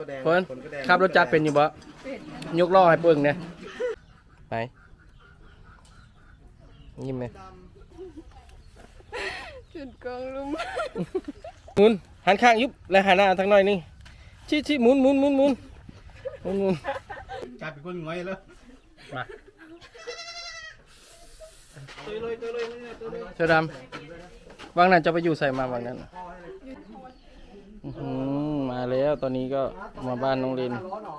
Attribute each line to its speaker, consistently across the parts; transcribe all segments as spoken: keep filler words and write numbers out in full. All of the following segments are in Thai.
Speaker 1: แดง
Speaker 2: เฟิร์น
Speaker 1: ขนก็แดง
Speaker 2: ขับรถจักรเป็นอยู่บ่ยกล้อให้เบิ่งเนี่ยไปยิ้มไหม
Speaker 3: จุดกองลุม
Speaker 2: หมุนหันข้างยุบแล้วหันหน้าทางหน่อยนึงชี้ชี้หมุนหมุนหมุนหมุนหมุนหมุน
Speaker 1: กลายเป็นคนง่อยแล้ว
Speaker 2: มา
Speaker 1: เตยเลยเตยเลยเนี่ยเตยเลย
Speaker 2: เสื้อดำวางนั้นจะไปอยู่ใส่มาวางนั้นอื้อหือมาแล้วตอนนี้ก็มาบ้านน้องลิน
Speaker 1: ร้อนหรอ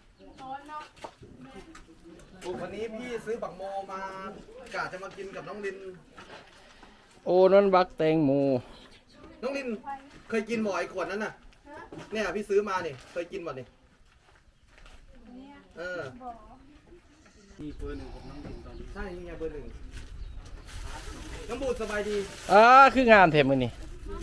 Speaker 1: วันนี้พี่ซื้อบักโมมากะจะมากินกับน้องลิน
Speaker 2: โอ้นั่นบักแตงโม
Speaker 1: น้องลินเคยกินบ่อยขวดนั้นน่ะเนี่ยพี่ซื้อมาเนี่ยเคยกินบ่เนี่ยเออมีเบอร์หนึ่งของน้องลินตอนนี้ใช่นี่ไงเบอร์หนึ่งน้องบูดสบายดี
Speaker 2: อ่าคืองามเทมมือนี่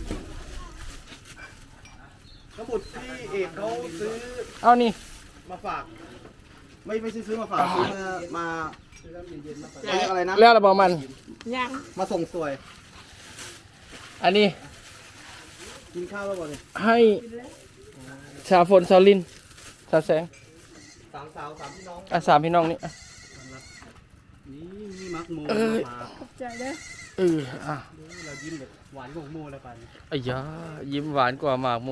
Speaker 1: น้องบูดพี่เอกเขาซื้อ
Speaker 2: เอานี่
Speaker 1: มาฝากไม่ไม่ใช่ซื้อมาฝากซื้อมามาเรียกอะไรนะ
Speaker 2: แล้วระบอมัน
Speaker 3: ยัง
Speaker 1: มาส่งสวย
Speaker 2: อันนี้
Speaker 1: กินข้าวแล้วบ่เนี่ย
Speaker 2: ให้ชาวฝนชาวลินชาวแสง
Speaker 1: สามสาวสามพี่น้อง
Speaker 2: อ่ะสามพี่น้องนี่อ่ะ
Speaker 1: นี่มีมักโม
Speaker 2: เอ้ย
Speaker 1: มา
Speaker 3: ขอบใจเด้อ
Speaker 2: เอออ่ะ
Speaker 1: เรายิ้มแบบหวานของโมแล้วกัน
Speaker 2: อ้ยายิ้มหวานกว่าหมากโม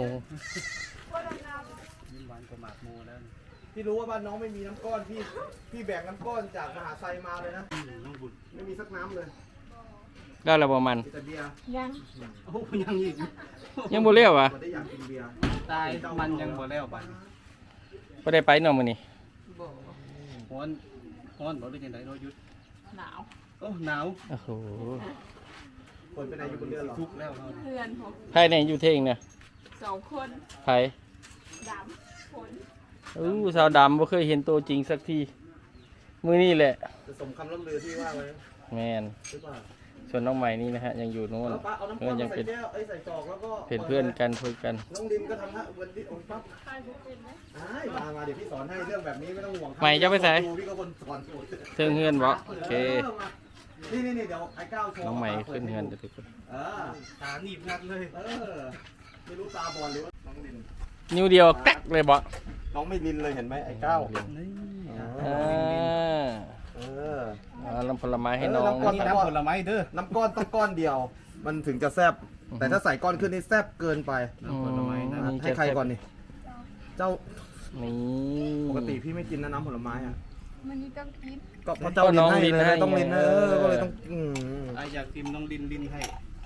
Speaker 1: ยิ้มหวานกว่าหมากโมแล้วพี่รู้ว่าบ้านน้องไม่มีน้ำก้อนพี่พี่แบกน้ำก้อนจากมหาไซมาเลยนะน้องบุญไม่มีสักน้ำเลย
Speaker 2: แล้วระบอมัน
Speaker 1: มีแต่เบียร์
Speaker 3: ยัง
Speaker 1: โอ้ยังอีก
Speaker 2: ยังบ่เลี้ยวอ่ะ
Speaker 1: บ่ได้อยากกินเบียร์
Speaker 4: ตายมันยังบ่แล้วบัด
Speaker 2: บ่ได้ไปเนาะมื้อนี้
Speaker 4: ฮ้อนฮ้อนบ่ได้จังได๋เนาะหยุด
Speaker 3: หนาว
Speaker 4: โอ้หนาว
Speaker 2: โอ้โห
Speaker 1: คนไปไหนอยู่บนเรือเหรอ
Speaker 4: ทุกข์แล้วเฮา
Speaker 3: เพื่อนผม
Speaker 2: ไผเนี่ยอยู่เท่งเนี่ย
Speaker 3: สองคน
Speaker 2: ไผ
Speaker 3: ดำคน
Speaker 2: อู้สาวดำบ่เคยเห็นตัวจริงสักทีมื้อนี้แหละ
Speaker 1: จะสมคำล่ำลือที่ว่าไว้
Speaker 2: แม่น
Speaker 1: หรือเปล่า
Speaker 2: ส่วนน้องใหม่นี่นะฮะยังอยู่โน่น
Speaker 1: แล้วป้าเอาน้ำ
Speaker 2: เอ
Speaker 1: ก้อ
Speaker 2: อน ยั
Speaker 1: มาง ใส่
Speaker 2: เป็น
Speaker 1: แก้วไอ้ยใส่จอกแล้วก็
Speaker 2: เป็นเพื่อนกันคุยกัน
Speaker 1: น้องดิมก็ทำฮะวันที่องปั๊บ
Speaker 3: ใครบุกเป็นไหม
Speaker 1: อ้ายมามาเดี๋ยวพี่สอนให้เรื่องแบบนี้ไม่ต้องห่วงครับ
Speaker 2: ใหม่จะไปไหน
Speaker 1: พี่ก็คนสอนสูตร
Speaker 2: เทิงเฮือนบ่โอเค
Speaker 1: นี่นี่นี่เดี๋ยวไอ้ก้าวโชว์
Speaker 2: น้องใหม่ขึ้นเฮือนเดี๋ยวทุกคน
Speaker 1: เออ
Speaker 4: ตาหนีบงัดเลย
Speaker 1: เออไม่รู้ตาบอลหรือว่าน้องลิน
Speaker 2: นิ้วเดียวแต๊กเลยบ่
Speaker 1: น้องไม่ลินเลยเห็นไหมไอ้ก้าว
Speaker 4: นี่
Speaker 2: อ่า
Speaker 1: เออ
Speaker 2: เอาน้ำผลไม้ให้น้อง
Speaker 1: เออน้ำผล
Speaker 4: นี่น้ำผลไม้เด้อ
Speaker 1: น้ำก้อนต้องก้อนเดียว มันถึงจะแซ่บแต่ถ้าใส่ก้อนขึ้นนี่แซ่บเกินไป
Speaker 2: อืม
Speaker 1: ให้ใครก่อนนี่เจ้า
Speaker 2: นี่
Speaker 1: ปกติพี่ไม่กินนะน้ำผลไม้อ่ะ
Speaker 3: มันนี่ต้องกิน
Speaker 1: ก็เพราะเจ้าลินให้เลยต้องลินเออก็เลยต้องอืม
Speaker 4: ไอ้อยากกินน้องดินดินให้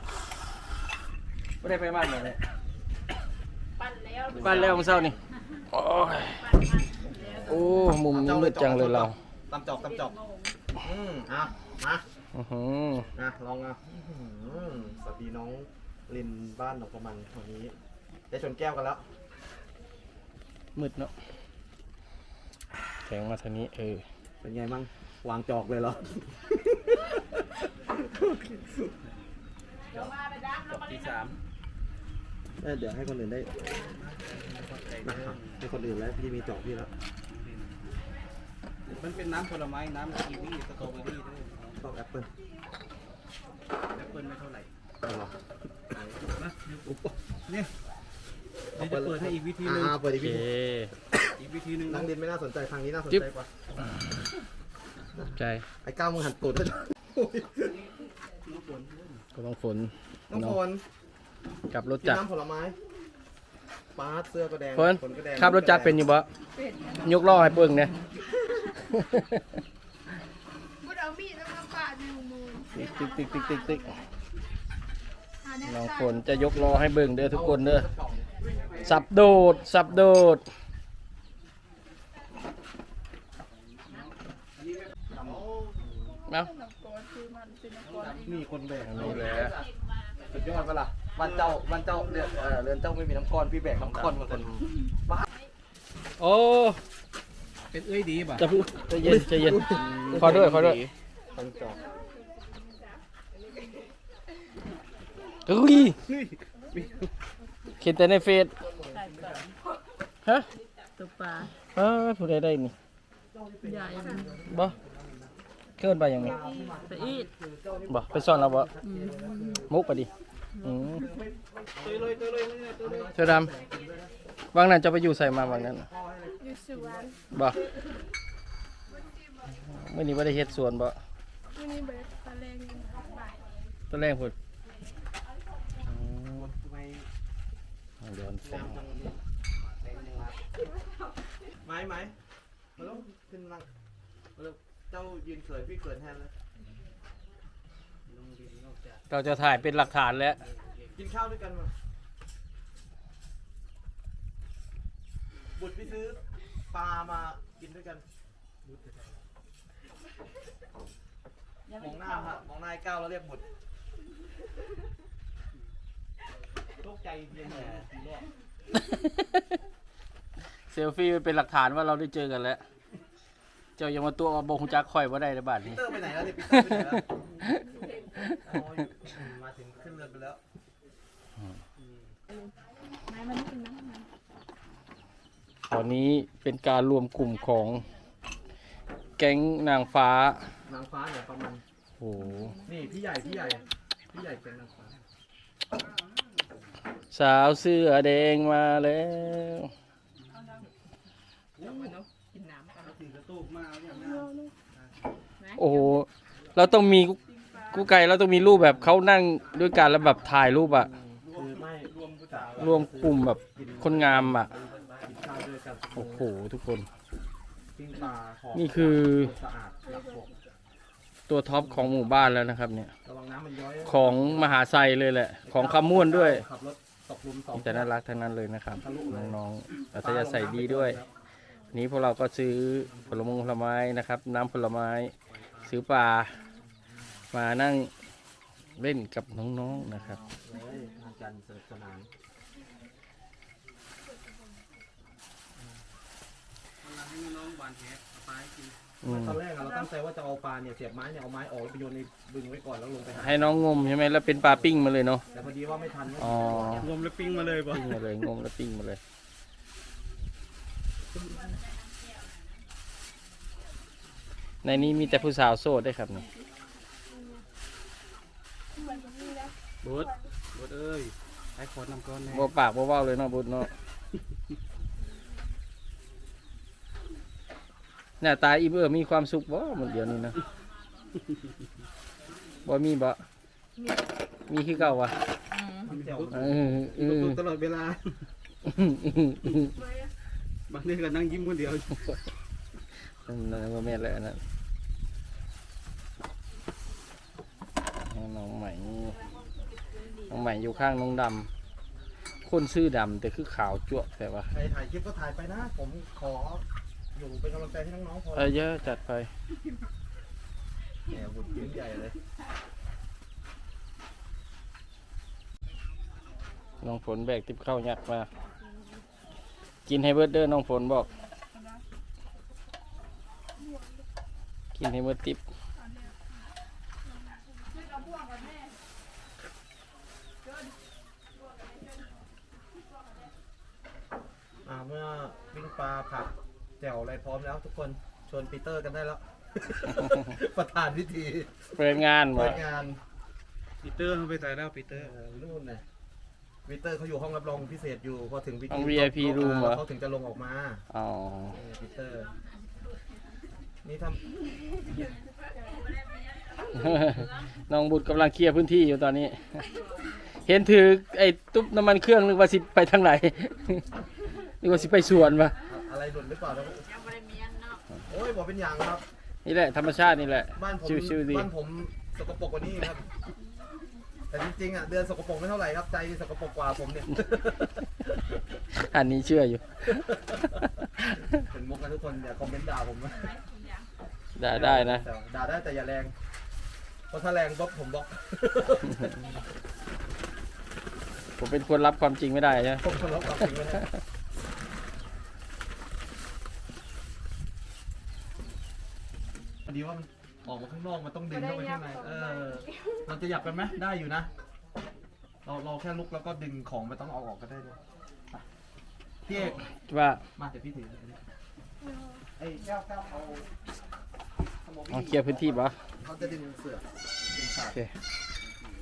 Speaker 2: ไม่ได้ไปบ้านเลย
Speaker 3: ปั่นแล้ว
Speaker 2: บ้านแล้วเมื่อเช้านี่โอ้ยโอ้มุมนี้มืดจังเลยเรา
Speaker 1: ตำจอกตำจอกอืมอ่ะมา
Speaker 2: อือหือ
Speaker 1: อ่ะลองอ่ะอื้อหือสวัสดีน้องลินบ้านหนองประมันวันนี้ได้ชนแก้วกันแล้ว
Speaker 2: มืดเนาะแข็งมาทางนี้เออ
Speaker 1: เป็นไงมั่งวางจอกเลยเหรอ
Speaker 3: เดี๋ยวมาไปดำแล้วมา
Speaker 4: ที่
Speaker 3: เล่น
Speaker 4: สาม
Speaker 1: เอ้ยเดี๋ยวให้คนอื่นได้นะครับให้คนอื่นแล้วพี่มีจอกพี่แล้ว
Speaker 4: มันเป็นน้ำผลไม้น้ำกีวีสตรอเบอรี่ด้วย
Speaker 1: ชอบแอปเปิ้ล
Speaker 4: แอปเปิ้ลไม่เท่าไหร่
Speaker 1: เอาเหรอ
Speaker 4: นะเนี่ยเดี๋ยวจะเปิดให้อีกวิธีหนึง
Speaker 1: อ่าเปิด
Speaker 2: โอ
Speaker 1: อีก
Speaker 2: เค
Speaker 1: วิธี
Speaker 4: อีกวิธีหนึง
Speaker 1: น้องลินไม่น่าสนใจทางนี้น่าสน
Speaker 2: จิ๊บ
Speaker 1: ใจกว่า
Speaker 2: ใจ
Speaker 1: ไอ้ก้าวมึงหันตูดด้วย
Speaker 4: น้ำฝน
Speaker 2: ก็ต้องฝน
Speaker 1: น้องพล
Speaker 2: กลับรถ
Speaker 1: กิน
Speaker 2: จักร
Speaker 1: น้ำผลไม้ปาดเสื้อก็แดง
Speaker 2: เฟิร์น
Speaker 1: ขนก็แดง
Speaker 2: ขับรถจักรเป็นอยู่บ่
Speaker 3: เป็ด
Speaker 2: ยกล้อให้เบิ่งเนี่ย
Speaker 3: บุดเอามีดแล้วมาปาดในมือ
Speaker 2: ติ๊กติ๊กติ๊กติ๊กติ๊ก
Speaker 3: หาแนว
Speaker 2: น้อง
Speaker 3: ใส่
Speaker 2: ฝนจะยกล้อให้เบิ่งเด้อทุกคนเด้อสับโดดสับโดดเนาะ
Speaker 3: น้ำกอดคือมันเป็นน้ำกอด
Speaker 1: มีคนแบก
Speaker 2: นี่แหละ
Speaker 1: สุดยอดปะล่ะบ้านเจ้าบ้านเจ้าเรือนเออเรือนเจ้าไม่มีน้ำก้อนพี่แบกน้ำก้อนมาคน
Speaker 2: โอ้
Speaker 4: เป็นเอ้ยดีป่ะ
Speaker 2: จะพูดใจเย็นใจเย็นขอด้วยขอด้วย
Speaker 1: ตั้งจอก
Speaker 2: อุ้ยเขียนแต่ในเฟซฮะ
Speaker 3: ตัวปลา
Speaker 2: เออผู้ใดได้นี่
Speaker 3: ใหญ่
Speaker 2: บ่เคลื่อนไปยังไง
Speaker 3: ไปอีด
Speaker 2: บ่ไปซ่อนแล้วบ่มุกไปดิอืม
Speaker 4: เตยเลยเตยเลยเนี่ยเตยเลย
Speaker 2: เสื้อดวางนั้นจะไปอยู่ใส่มาบางนั้นน่ะ
Speaker 1: พ่อให้เลย
Speaker 3: อยู่สวน
Speaker 2: บ่เมื่อนี้ว่าได้เฮ็ดสวนบ่
Speaker 3: วันนี้เบิร์ดตะแรงยังบ่าย
Speaker 2: ตอนแรกพุ่น
Speaker 1: ทำไม
Speaker 2: ย้อนแสง
Speaker 1: ไม้ไหมมาลูกขึ้นนั่งมาลูกเจ้ายืนเขินพี่เขินแทนเลย
Speaker 2: เราจะถ่ายเป็นหลักฐานแล้ว
Speaker 1: กินข้าวด้วยกันมาบุตรพี่ซื้อปลามากินด้วยกันมองหน้าฮะมองหน้าไอ้ก้าวแล้วเรียกบุตรโรคใจเย็นแหละทีแรก
Speaker 2: เซลฟี่เป็นหลักฐานว่าเราได้เจอกันแล้ว เจ้ายังมาตัวบงจักข่อยว่าได้ในบ้าน
Speaker 1: ปี
Speaker 2: นี้
Speaker 1: เตอร์ไปไหนแล้วเนี่ยปีเตอร์ไปไหนแล้วอ๋อมาถึงขึ้นเรือไปแล้ว
Speaker 3: ไม้มันกินน้ำมัน
Speaker 2: ตอนนี้เป็นการรวมกลุ่มของแก๊งนางฟ้า
Speaker 1: นางฟ้าเนี่ยประมาณ
Speaker 2: โอ้โห
Speaker 1: นี่พี่ใหญ่พี่ใหญ่พี่ใหญ่เป็นนางฟ้า
Speaker 2: สาวเสื้อแดงมาแล้ว
Speaker 3: กินน้ำกัน
Speaker 4: ตีกระตุกมาอย่างนั้น
Speaker 2: โอ้โห เราต้องมีกูไก่เราต้องมีรูปแบบเขานั่งด้วยกันแล้วแบบถ่ายรูปอะ
Speaker 1: คือไม่รวมผู้สาว
Speaker 2: รวมกลุ่มแบบคนงามอะ
Speaker 1: กินข้าวด้วยกัน
Speaker 2: โอ้โหทุกคน
Speaker 1: ปิ้งปลาหอม
Speaker 2: นี่คือ
Speaker 1: สะอาดหลักหก
Speaker 2: ตัวท็อปของหมู่บ้านแล้วนะครับเนี่ย
Speaker 1: ระวังน้ำมันย้อย
Speaker 2: ของมหาไซเลยแหละ ของคำม่วนด้วย
Speaker 1: ขับรถตกหลุมสอง
Speaker 2: มีแต่น่ารักทั้งนั้นเลยนะครับ น้องๆอัธยาศัยดีด้วย นี้พวกเราก็ซื้อผลไม้ผลไม้นะครับ น้ำผลไม้ ซื้อปลา มานั่งเล่นกับน้องๆนะครับ
Speaker 1: เลยงานกันสนุกสนาน
Speaker 4: ให้น้องหวานแหปลาให้กิน
Speaker 2: อืม
Speaker 1: ตอนแรกอะเราตั้งใจว่าจะเอาปลาเนี่ยเสียบไม้เนี่ยเอาไม้ออกแล้วไปโยนในบึงไว้ก่อนแล้วลงไปหา
Speaker 2: ให้น้องงมใช่ไหมแล้วเป็นปลาปิ้งมาเลยเนาะ
Speaker 1: แต่พอดีว่าไม่ทัน
Speaker 2: อ๋อ
Speaker 4: รวมแล้วปิ้งมาเลยบ่
Speaker 2: ปิ้งมาเลยงมแล้วปิ้งมาเลย ในนี้มีแต่ผู้สาวโสดได้วยครับนี่
Speaker 4: บุตรบุตรเอ้ยไอ้ขอนำก้อนแน่
Speaker 2: บ่ปากบ่เว้าเลยเนาะบุญเนาะหน้าตาอีเบอร์มีความสุขบ่หมดเดียวนี้นะบ่มีบ่มีคือเก่าวะ
Speaker 1: เจ๋ว
Speaker 2: เออเออ
Speaker 4: ตลอดเวลาบางทีก็นั่งยิ้มคนเดียว
Speaker 2: นั่นบ่แม่นแล้วอันนั้นน้องใหม่น้องใหม่อยู่ข้างน้องดำคนชื่อดำแต่คือขาวจั่วแต่ว่า
Speaker 1: ใครถ่ายคลิปก็ถ่ายไปนะ ผมขออยู่เป็นกำลังใจให้น้องๆพอ
Speaker 2: เออเยอะจัดไป
Speaker 1: เนี่ยบุญยิ้มใหญ่เลย
Speaker 2: น้องฝนแบกติบข้าวยักษ์มา กินให้เบิร์ดเด้อน้องฝนบอก กินให้เบิร์ดติบ
Speaker 1: อ่าเมื่อวิ่งปลาผักแจ่วอะไรพร้อมแล้วทุกคนชวนปีเตอร์กันได้แล้ว ประธานพิธี
Speaker 2: เปิดงาน
Speaker 1: เปิ
Speaker 2: บ่
Speaker 1: ดงาน
Speaker 4: ปีเตอร์เขาไปตายแล้วปีเตอร์
Speaker 1: เออนู่นน่ะปีเตอร์เขาอยู่ห้องรับรองพิเศษอยู่พอถึงพิธี
Speaker 2: ห้อง วี ไอ พี room เหรอ
Speaker 1: เขาถึงจะลงออกมา
Speaker 2: อ๋อ
Speaker 1: เออปีเตอร์ นี่ท
Speaker 2: น้องบุตรกำลังเคลียร์พื้นที่อยู่ตอนนี้ เห็นถือไอ้ตุ๊บน้ำมันเครื่องนึกว่าสิไปทางไหน นึกว่าสิไปสวนปะ
Speaker 1: ำอะไรหลุดหรือเปล่าแล้ว
Speaker 3: ยังไม่ได้เมียนเนาะ
Speaker 1: โอ้ยบอกเป็นอย่างครับ
Speaker 2: นี่แหละธรรมชาตินี่แหละ
Speaker 1: บ้านผม
Speaker 2: ชิวๆดี
Speaker 1: บ้านผมสกปรกกว่านี้ครับ แต่จริงๆอ่ะเดือนสกปรกไม่เท่าไหร่ครับใจสกปรกกว่าผมเนี่ย
Speaker 2: อันนี้เชื่ออยู่
Speaker 1: เป็นมุกนะทุกคนอย่าคอมเมนต์ด่าผมนะ
Speaker 2: ได้ได้นะ
Speaker 1: แต่ด่าได้แต่อย่าแรง เพราะถ้าแรงบล็อกผมบล็อก
Speaker 2: ผมเป็นคนรับความจริงไม่ได้ใช่ไหม
Speaker 1: ผมทะเลาะกับจริงไม่ได้พอดีว่ามันออกมาข้างนอกมันต้องดึงเข้าไปข้างในเออเราจะหยับกันไหมได้อยู่นะ เราเราแค่ลุกแล้วก็ดึงของไม่ต้องเอาออกก็ได้ด้วยไปพี่เอก
Speaker 2: ว่า
Speaker 1: มาเดี๋ยวพี่ถือไอ้แก้วแก้วเอาสโม
Speaker 2: เอา
Speaker 1: บี้
Speaker 2: เคลียร์พื้นที่ปะ
Speaker 1: เขาจะดึงเสือดึงสา
Speaker 2: โอ
Speaker 1: ด
Speaker 2: เค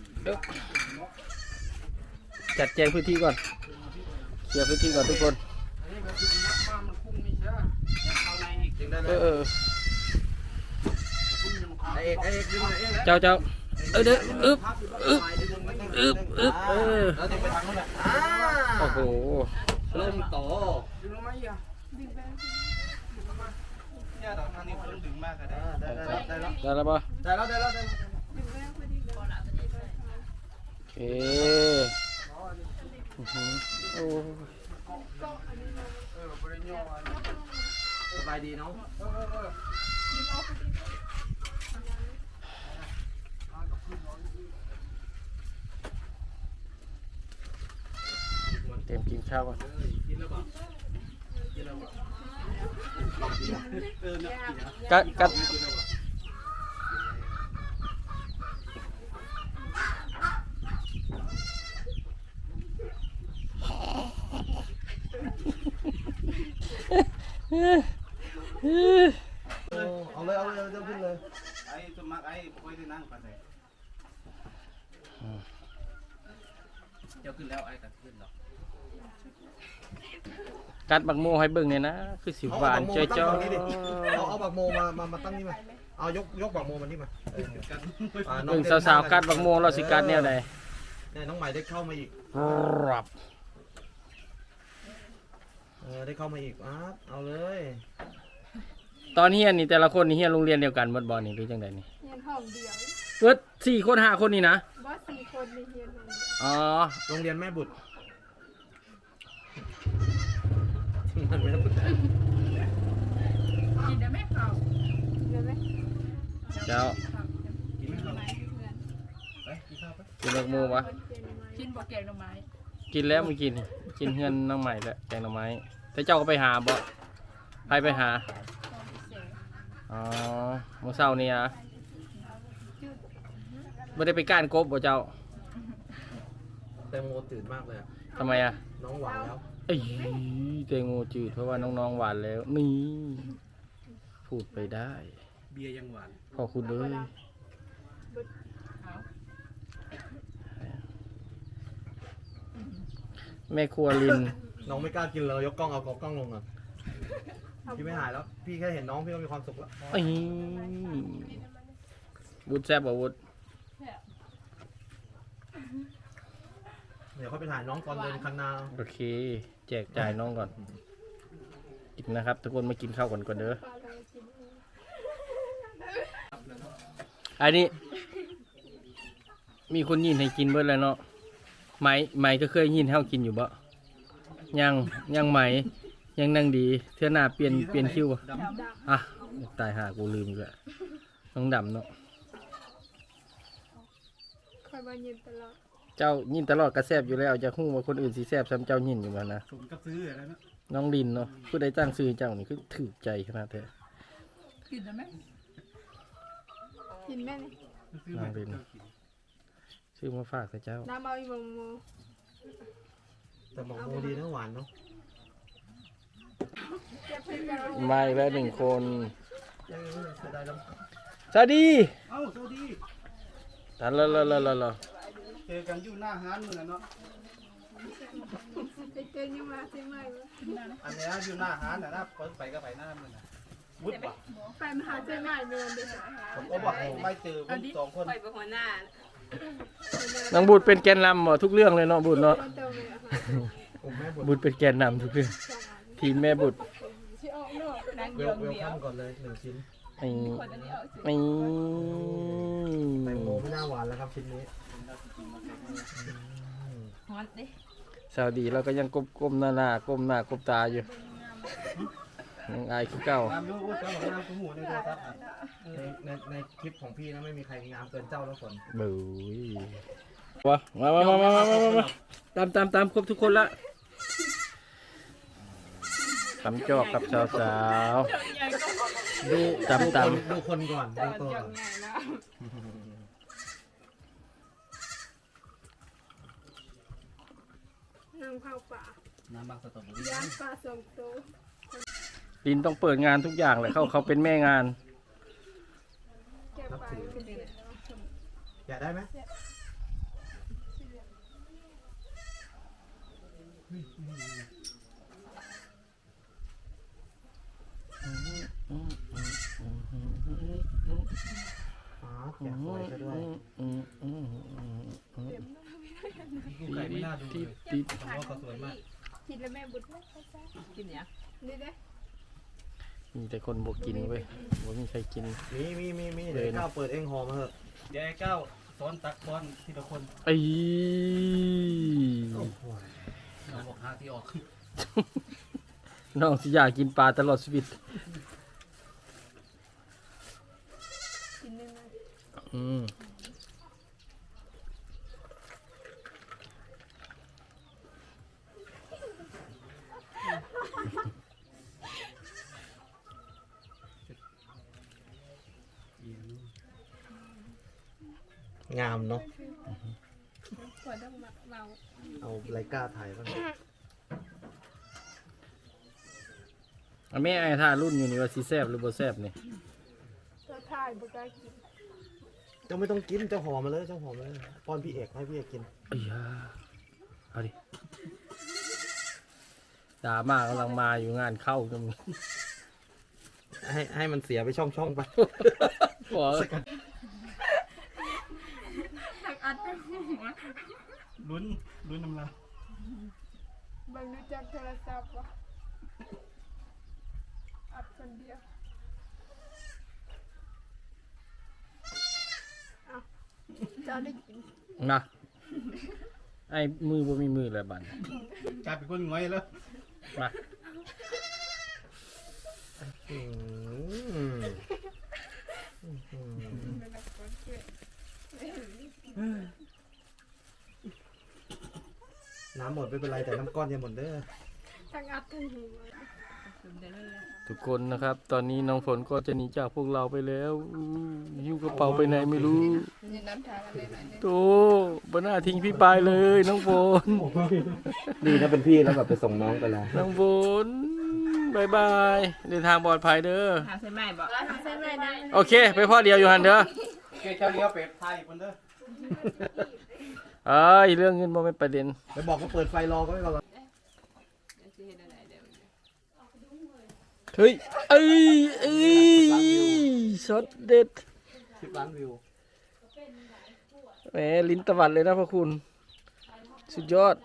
Speaker 2: เอ้าจัดแจงพื้นที่ก่อน เคลียร์พื้นที่ก่อนทุกคน
Speaker 4: นี่ก็คือนักบ้านมันคุ้งไม่ใช่เข้าในอีก
Speaker 1: ดึงได้เล
Speaker 2: เอย อเออ
Speaker 4: คุ้งยังเข้า
Speaker 1: ไอเอกไอเอกดึงหน่อยเอก
Speaker 2: เจ้าเจ้าเออเด้ออึบอึบ อึ๊บอึ๊บเออ
Speaker 1: แล้วดึงไปทางนู้นแหละอ่า
Speaker 2: โอ้โห
Speaker 1: เริ่มโต
Speaker 4: ดึงลงมาอีกอ่ะ
Speaker 3: ดึงไป
Speaker 4: เนี่ยตอนทางนี้คนดึงมากก็ได้
Speaker 1: ได้ได้ได้แล้ว
Speaker 2: ได้แล้วปะ
Speaker 1: ได้แล้วได้แล้วได้แล้ว
Speaker 3: ดึงไปพอดีเลย
Speaker 2: โอเคอื้อหือโอ้
Speaker 4: เออบริโภค
Speaker 1: สบายดีเนาะ
Speaker 4: เออเออ
Speaker 2: เต็มกินข้าวก่อน
Speaker 1: กินแล้วเปล่ากินแล้วเปล่าเออเนี่ยกินแล้ว
Speaker 2: กัดกัด
Speaker 1: กินแล้วเปล่า เอาเลยเอาเลยเอาเลยขึ้นเลย
Speaker 4: ไอ้สมัครไอ้ค่อยได้นั่งไปเลยเดี๋ยวขึ้นแล้วไอ้กัดขึ้นหรอ
Speaker 2: กัดบักโมให้เบิ่งเนี่ยนะ คือสิหวานจ้อยจ้อ
Speaker 1: เอาเอาบักโมมามามาตั้งนี่มาเอายกยกบักโมมานี่มาเอออ่าน้อ
Speaker 2: เบิ่ง
Speaker 1: เต้น
Speaker 2: สาวๆกัดบักโมเราสิกัดแนวใด
Speaker 1: เนี่ยน้องใหม่ได้เข้ามาอีก
Speaker 2: รับ
Speaker 1: เออได้เข้ามาอีกอ่ะเอาเลย
Speaker 2: ตอนเฮียนนี่แต่ละคนนี่เฮียนโรงเรียนเดียวกันหมดบ่นี่หรือจังไดนี่
Speaker 3: เฮียนห้องเดียว
Speaker 2: เบิดสี่คนห้าคนนี่นะ
Speaker 3: บอสสี่คนในเฮียนห้องเดียว
Speaker 2: อ๋อ
Speaker 1: โรงเรียนแม่บุตรมันแม่บุตร
Speaker 3: กินได้ไหมเขาเดี๋ยวไหม
Speaker 2: เจ้า
Speaker 1: กินไหมครับ
Speaker 3: ไม้เพื่อน
Speaker 1: ไปกินข้าวไป
Speaker 2: กินบักโมปะ
Speaker 3: กินบอกแกงหน่อไม้
Speaker 2: กินแล้วเมื่อกี้นี่กินเฮือนน้องใหม่แล้วแกงหน่อไม้แต่เจ้าก็ไปหาบ่ไปไปหา อ๋อเมื่อเช้านี่นะไม่ได้ไปก้านกบบ่เจ้า
Speaker 1: แตงโมตื่นมากเลยอะ
Speaker 2: ทำไมอ่ะ
Speaker 1: น้องหวานแล้ว
Speaker 2: เอ้ยเตงโมจืดเพราะว่าน้องๆหวานแล้ว นี่ พูดไปได้
Speaker 4: เบียร์ยังหวาน
Speaker 2: ขอบคุณเลยแม่ครัวลิน
Speaker 1: น้องไม่กล้ากินเลยยกกล้องเอากล้องลงอ่ะพี่ไม่หายแล้ว พี่แค่เห็นน้องพี่ก็มีความสุขแล้ว
Speaker 2: เอ้ยวุฒแซ่บบ่วุฒ
Speaker 1: เดี๋ยวเขาไปถ่ายน้องตอนเดินคันนา
Speaker 2: โอเค แจกจ่ายน้องก่อน กินนะครับ ทุกคนมากินข้าวก่อนก่อนเด้อ
Speaker 3: ปลาเรากิน
Speaker 2: อันนี้ มีคนยินให้กินเบิดแล้วเนาะไหมไหมก็เคยยินให้เฮากินอยู่บ่ยังยังไหมยังนั่งดีเทื่อหน้าเปลี่ยนเปลี่ยนคิวบ่อ่ะตายหากูลืมอีกแล้วน้องดำเนาะ
Speaker 3: คอยมาเย็นตลอด
Speaker 2: เจ้ายินตลอดกระแซบอยู่แล้วจะฮู้ว่าคนอื่นสิแซบซ้ำเจ้ายินอยู่บ่นะ
Speaker 4: สมกับซื้ออะไรนะ
Speaker 2: น้องลินเนาะผู้ใดตั้งชื่อเจ้านี่คือถูกใจขนาดแท้
Speaker 3: กินได้ไหมกินแม่นี่
Speaker 4: ซื้อมา
Speaker 2: ชื่อมาฝากแต่เจ้า
Speaker 3: น้ำเอาอีโมโม
Speaker 1: แต่บอกโมดีนะหวานเนาะ
Speaker 3: เก็บให้เรา
Speaker 2: มาอีกแล้วหนึ่งคน
Speaker 1: เออเสียดายแล้ว
Speaker 2: สวัสดี
Speaker 4: เอ้าสวัสดี
Speaker 2: ตันละละละละละ
Speaker 4: เจอกันอยู่หน้าห้านมือเนาะ
Speaker 3: ไปเจอยังมาใช่ไหมวะ
Speaker 4: อันนี้อยู่หน้าห้านนะนะคนไปก็ไปหน้ามือนะวุฒิว่ะ
Speaker 3: ไปมหาใช่ไหมเดือนเดียว
Speaker 4: ผมก็บอกไม่เจอวุฒิสองคน
Speaker 3: ไปเป็นหัวหน้า
Speaker 2: น้องบุตรเป็นแกนนำหมดทุกเรื่องเลยเนาะบุตรเนาะ
Speaker 3: เติมเลยอะค่ะ
Speaker 1: ผมแม่บุตร
Speaker 2: บุตรเป็นแกนนำทุกเรื่องทีมแม่บุตร
Speaker 3: ที่ออกนอกนั่ง
Speaker 1: เวลเวลคัมก่อนเลยหนึ่งชิ้น
Speaker 2: ไอ้ไอ้
Speaker 1: แตงโมไม่น่าหวานแล้วครับชิ้นนี้
Speaker 3: ฮอตดิ
Speaker 2: สวัสดีเราก็ยังก้มก้มหน้าหน้าก้มหน้าก้มตาอยู่ยังอายคือเก่า
Speaker 4: ตามดูวุฒิก็บอกว่าคุณหูในโทรศัพท์
Speaker 1: ในในในคลิปของพี่นะไม่มีใครงามเกินเจ้าแล้วคน
Speaker 2: บุ้ยวะมามามามามามามาตามตามตามครบทุกคนละตำจอกกับสาวสาวๆดูตำตำ
Speaker 1: ดูคนก่อนดูตัวก่อน
Speaker 3: นางเผาป่า
Speaker 4: น้ำบางสตอบุรี
Speaker 3: ย่างปลาสองตัว
Speaker 2: ลินต้องเปิดงานทุกอย่างเลยเขาเขาเป็นแม่งาน
Speaker 3: แก้ปลาเป็นเดือน
Speaker 1: อยากได้ไหมอ๋อแกะสวยซะด้วย
Speaker 2: อืมอืมอืมอืมอืม
Speaker 1: ดูไก่ไม่น่าดูเลย
Speaker 2: ติด
Speaker 1: ผมว่าก็สวยมาก
Speaker 5: กินแล้วแม่บุญ
Speaker 3: กินเนี่ย
Speaker 5: นี่เด้
Speaker 2: มีแต่คนบอกกินเว้ยบอกมีใครกิน
Speaker 1: มีมีมีมีเดี๋ยวไอ้ก้าวเปิดเองหอมาเถอะ
Speaker 4: เดี๋ยวไอ้ก้าวซ้อนตักบอลทีละคน
Speaker 2: ไอ้
Speaker 4: เราบอกหาที่ออก
Speaker 2: น้องสิอยากกินปลาตลอดชีวิต
Speaker 5: กินได้ไหม
Speaker 2: อืม
Speaker 1: งามเนาะ
Speaker 5: ขวดต้องมาเมา
Speaker 1: เอาไรก้าถ่ายบ้าง
Speaker 2: อันแม่ไอ้ท่ารุ่นอยู่นี่ว่าสิแซบหรือบ่แซบนี่
Speaker 5: ถ้าถ่ายบุกได้กิน
Speaker 1: เจ้าไม่ต้องกินเจ้าหอมาเลยเจ้าหอมาเลยป้อนพี่เอกให้พี่เอกกิน
Speaker 2: อ้ยาเอาดิดราม่ากำลังมาอยู่งานเข้าก็มี
Speaker 1: ให้ให้มันเสียไปช่องช่องๆไป
Speaker 2: บอก
Speaker 5: หักอัดไปหัว
Speaker 4: ลุ้นลุ้นน้ำลาย
Speaker 5: บางรู้จักโทรศัพท์วะอัดคนเดียวอ้าวเจ้าได้กิน
Speaker 2: นะไอ้มือบ่มีมือแล้วบัด
Speaker 4: กลายเป็นคนง่อยแล้ว
Speaker 2: มา
Speaker 1: อืม
Speaker 5: เป็นแบบคนเกลียด
Speaker 1: น้ำหมดไม่เป็นไรแต่น้ำก้อนยังหมดเด้อ
Speaker 5: ทั้งอัดทั้งหัว
Speaker 3: กินได้เลย
Speaker 2: ทุกคนนะครับ ตอนนี้น้องฝนก็จะหนีจากพวกเราไปแล้วอู้หิ้วกระเป๋าไปไหนไม่รู้
Speaker 5: นี่น้ำทางอะไรหน่อยนึง
Speaker 2: โตบน่าทิ้งพี่ปายเลยน้องฝน
Speaker 1: ดีนะเป็นพี่แล้วแบบไปส่งน้องไปแล้ว
Speaker 2: น้องฝนบายบายเดินทางปลอดภัยเด้อ
Speaker 3: หาใส่ไม้บอก
Speaker 5: แล้วทำใช่ไหมนะ
Speaker 2: โอเค ไปพ่อเดียวอยู่หันเด้อ
Speaker 4: เกเจ้าเลี้ยวเป็ดไทยคนเด้อ
Speaker 2: เอ้ยเรื่องเงินบ่เป็นประเด็น
Speaker 1: ไปบอกก็เปิดไฟรอก็ไม่รอ
Speaker 2: เฮ้ยเอ้ยเอ้ยช็อตเด็ด
Speaker 1: สิบล้านวิว
Speaker 2: แหมลิ้นตะวัดเลยนะพ่อคุณ สุดยอด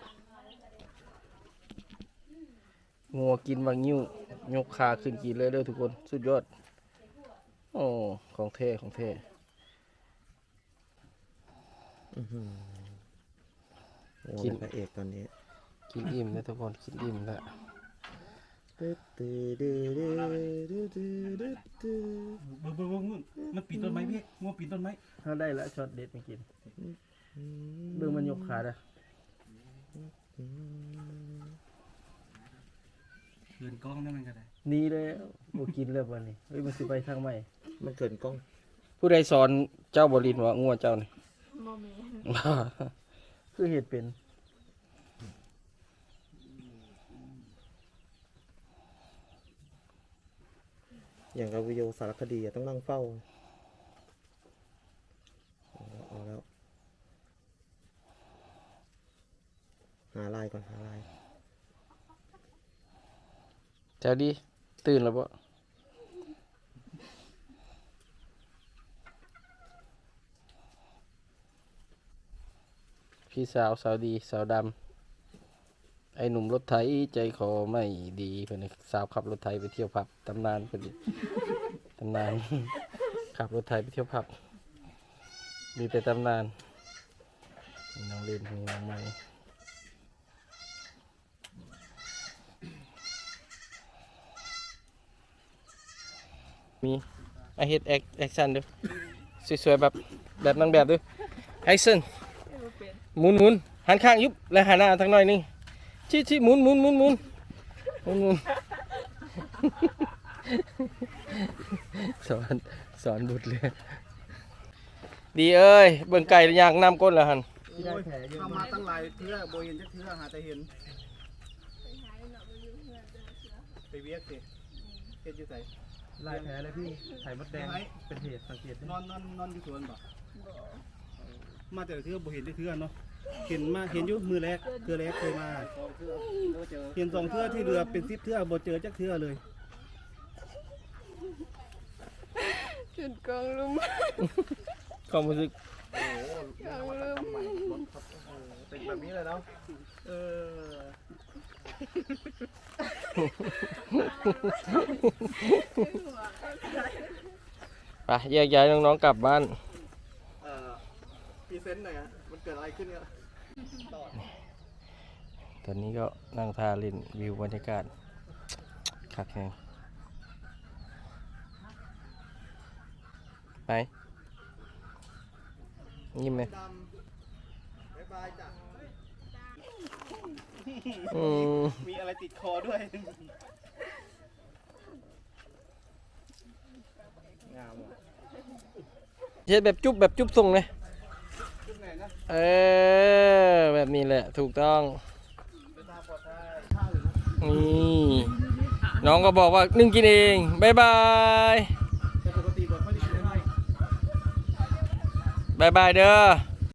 Speaker 2: งัวกินบางนิ้วยกขาขึ้นกินเลยเด้อทุกคน สุดยอด โอ้ ของเท่ของเท่
Speaker 1: กินพระเอกตอนนี้
Speaker 2: กินอิ่มนะทุกคน กินอิ่มแล้ว
Speaker 4: เบิ่งเบิ่งเบิ่งมันปีนต้นไม้พี่งัวปีนต้นไม้
Speaker 2: เขาได้แล้วช็อตเด็ดไม่กินเบิ่งมันยกขาเด้อ
Speaker 4: เดินกล้องนั่นมันก็ได้
Speaker 2: นี่เลยบ่กินเลยวันนี้เฮ้ยมันสิไปทางใหม่
Speaker 1: มันเกินกล้อง
Speaker 2: ผู้ใดสอนเจ้าบรินว่างัวเจ้านี่
Speaker 5: โมเมนต์
Speaker 2: คือเหตุเป็น
Speaker 1: อย่างกับวิดีโอสารคดีอะต้องนั่งเฝ้าเอาแล้วเอาแล้วหาลายก่อนหาลาย
Speaker 2: เจ้าดีตื่นแล้วบ่พี่สาวสาวดีสาวดำไอ้หนุ่มรถไถใจคอไม่ดีเพิ่นน่ะสาวขับรถไถไปเที่ยวผับตำนานเพิ่นดิตำนาน ขับรถไถไปเที่ยวผับมีแต่ตำนานมีน้องเล่นมีน้องไม้มีไอเฮ็ดแอคแอคชั่นดูสวยๆแบบแบบนางแบบดูแอคชั่นหมุนหมุนหันข้างยุบแล้วหันหน้าทางหน่อยหนึงชี้ชี้หมุนหมุนหมุนหมุนหมุนหมุน สอนสอนบุตรเลยดีเอ้ยเบิ่งไก่อยากนำก้นแล้วหัน
Speaker 4: ทำมาตั้งหลายเทื่อโบเห็นจักเทื่อหาแต่เห็นไปเวียกสิเฮ็ดอยู่ไส
Speaker 1: ลายแผลเลยพี่ไข่มดแดงเป็นเหตุสังเกต
Speaker 4: นอนนอนนอนอยู่สวนบ่มาแต่ละเทื่อโบเห็นจักเทื่อเนาะเห็นมาเห็นอยู่มือแรกเทื่อแรกเคยมาเห็นสองเทื่อที่เรือเป็นสิบเทื่อโบเจอจักเทื่อเลย
Speaker 5: จุดกองลุม
Speaker 2: ความรู้สึก
Speaker 1: โอ้โหเรียกว่านวัตกรรมใหม่รถครับโอ้โหติดแบบนี้เลยเนาะเออ
Speaker 2: ไปแยกย้ายน้องๆกลับบ้าน
Speaker 1: เอ่อพรีเซนต์หน่อยฮะมันเกิดอะไรขึ้นเนี่ยต่อ
Speaker 2: ตอนนี้ก็นั่งทาเล่นวิวบรรยากาศคักแฮงไปยิ้มไหม
Speaker 1: ดำบ๊ายบายจ้ะ
Speaker 2: อืม
Speaker 4: มีอะไรติดคอด้วย งามว่ะ
Speaker 2: เช็ดแบบจุ๊บแบบจุ๊บทรงเลย
Speaker 4: ชุดไหนนะ
Speaker 2: เออ แบบนี้แหละถูกต้อง
Speaker 4: เป็นทางปลอดภัยข้าวหรือนะ
Speaker 2: นี่น้องก็บอกว่านึ่งกินเองบายบาย
Speaker 4: แต่ปกติบอกเขาจะกินได้ไหม
Speaker 2: บายบายเด้อ